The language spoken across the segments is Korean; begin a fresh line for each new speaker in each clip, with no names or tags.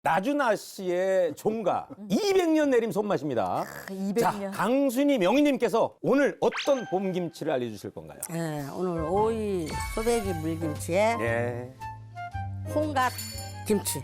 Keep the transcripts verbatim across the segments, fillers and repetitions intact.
나준아 씨의 종가 이백 년 내림 손맛입니다.
이백 년.
자, 강순희 명희님께서 오늘 어떤 봄김치를 알려주실 건가요?
네, 오늘 오이 소배기 물김치에
예.
홍갓 김치.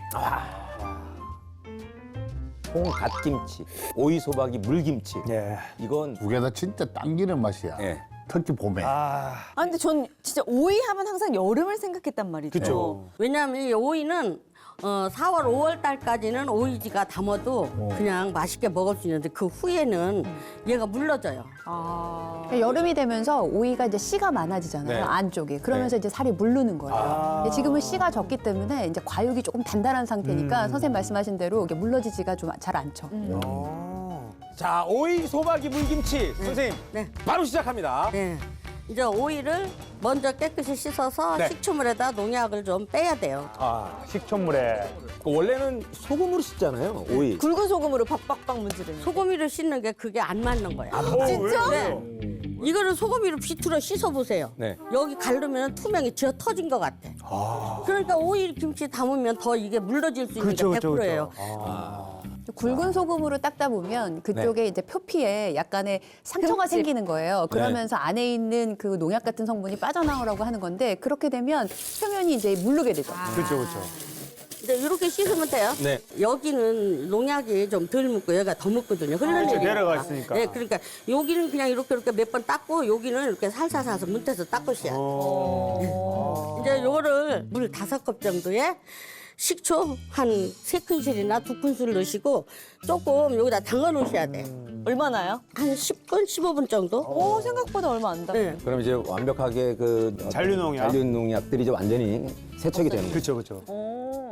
홍갓김치, 오이소박이 물김치.
예.
이건
두 개 다 진짜 당기는 맛이야.
예.
특히 봄에.
아,
아 근데 전 진짜 오이 하면 항상 여름을 생각했단 말이죠.
그쵸.
왜냐하면 이 오이는 어, 사월, 오월 달까지는 오이지가 담아도 그냥 맛있게 먹을 수 있는데 그 후에는 얘가 물러져요.
아.
그러니까 여름이 되면서 오이가 이제 씨가 많아지잖아요.
네.
안쪽에. 그러면서 이제 살이 무르는 거예요. 근데 지금은 씨가 적기 때문에 이제 과육이 조금 단단한 상태니까 선생님 말씀하신 대로 이게 물러지지가 좀 잘 않죠.
어.
자, 오이소박이 물김치 선생님
네.
바로 시작합니다.
네. 이제 오이를 먼저 깨끗이 씻어서
네.
식초물에다 농약을 좀 빼야 돼요.
아, 식초물에.
그 원래는 소금으로 씻잖아요, 오이.
굵은 소금으로 박박박 문지르는.
소금이를 씻는 게 그게 안 맞는 거예요.
진짜?
네. 이거를 소금이로 비틀어 씻어보세요.
네.
여기 가르면 투명이 쥐어 터진 것 같아. 그러니까 오이 김치 담으면 더 이게 물러질 수 있는
그렇죠,
게
그렇죠,
백 퍼센트예요.
그렇죠.
굵은 소금으로 닦다 보면 그쪽에 이제 표피에 약간의 상처가
흠집.
생기는 거예요. 그러면서
네.
안에 있는 그 농약 같은 성분이 빠져나오라고 하는 건데 그렇게 되면 표면이 이제 무르게 되죠.
그렇죠, 그렇죠.
이제 이렇게 씻으면 돼요.
네.
여기는 농약이 좀 덜 묻고 여기가 더 묻거든요. 흐르는
그렇죠,
일이니까.
내려가 있으니까.
네, 그러니까 여기는 그냥 이렇게 이렇게 몇 번 닦고 여기는 이렇게 살살 살서 문태서 닦으셔야 돼요. 이제 요거를 물 다섯 컵 정도에 식초 한 세 큰술이나 두 큰술 넣으시고 조금 여기다 담가 놓으셔야 돼요.
얼마나요?
한 십 분, 십오 분 정도?
오 생각보다 얼마 안 다.
네.
그럼 이제 완벽하게 그 어떤
잔류농약.
잔류농약들이 이제 완전히 세척이 되는 거죠.
그렇죠, 그렇죠.
오.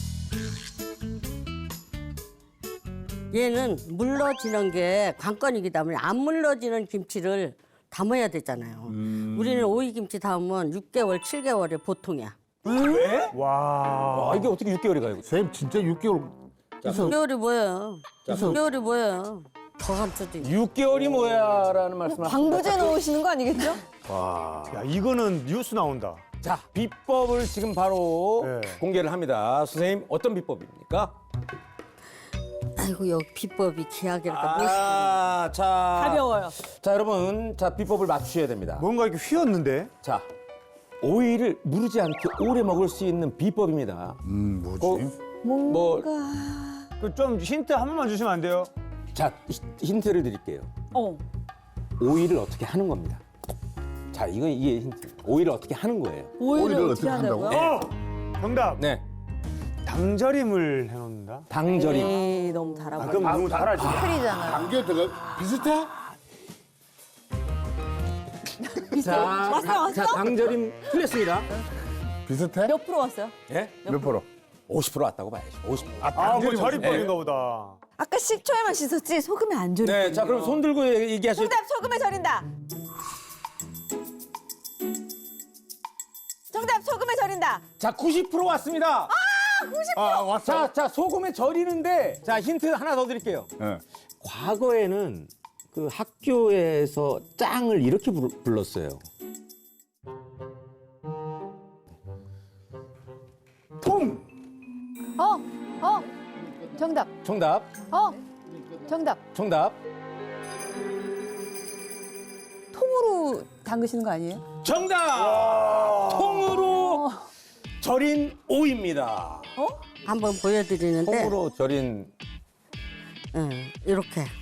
얘는 물러지는 게 관건이기 때문에 안 물러지는 김치를 담아야 되잖아요. 우리는 오이 김치 담으면 육 개월, 칠 개월이 보통이야.
왜?
와.
아, 이게 어떻게 육 개월이 가요?
선생님 진짜 육 개월
육 개월이 뭐예요? 육 개월이 뭐예요? 더 감수도 있고.
육 개월이 뭐야라는 말씀을
방부제 넣으시는 거 아니겠죠?
야, 이거는 뉴스 나온다.
자, 비법을 지금 바로
네.
공개를 합니다. 선생님, 어떤 비법입니까?
아이고 여기 비법이 기하게니까 멋있
아, 자.
가벼워요.
자, 여러분. 자, 비법을 맞추셔야 됩니다.
뭔가 이렇게 휘었는데?
자, 오이를 무르지 않게 오래 먹을 수 있는 비법입니다.
음, 뭐지?
어, 뭐,
그 좀 힌트 한 번만 주시면 안 돼요?
자, 히- 힌트를 드릴게요.
어.
오이를 어떻게 하는 겁니다. 자, 이건 이게 힌트. 오이를 어떻게 하는 거예요.
오이를,
오이를
어떻게
어떻게 한다고?
한다고요?
어! 정답.
네.
당절임을 해놓는다.
당절임.
에이 너무 달아
아,
보여.
그럼 너무 달아지.
틀이잖아요.
당겨 들어가 비슷해?
자,
왔어,
자,
왔어?
자, 당절임 틀렸습니다.
비슷해?
몇 프로 왔어요?
예?
몇 프로?
오십 퍼센트 왔다고 봐야죠. 오십 퍼센트.
아, 그
네.
절임법인가 보다.
아까 식초에만 씻었지 소금에 안 절여.
네, 자, 그럼 손 들고 얘기하실
정답 소금에 절인다. 정답 소금에 절인다.
자, 구십 퍼센트 왔습니다.
아, 구십.
아, 왔어.
자, 자, 소금에 절이는데, 자, 힌트 하나 더 드릴게요.
예.
과거에는 그 학교에서 짱을 이렇게 부르- 불렀어요.
통!
어, 어, 정답.
정답,
어, 정답.
정답.
통으로 담그시는 거 아니에요?
정답! 통으로 절인 오이입니다.
한번 보여드리는데
통으로 절인
응, 이렇게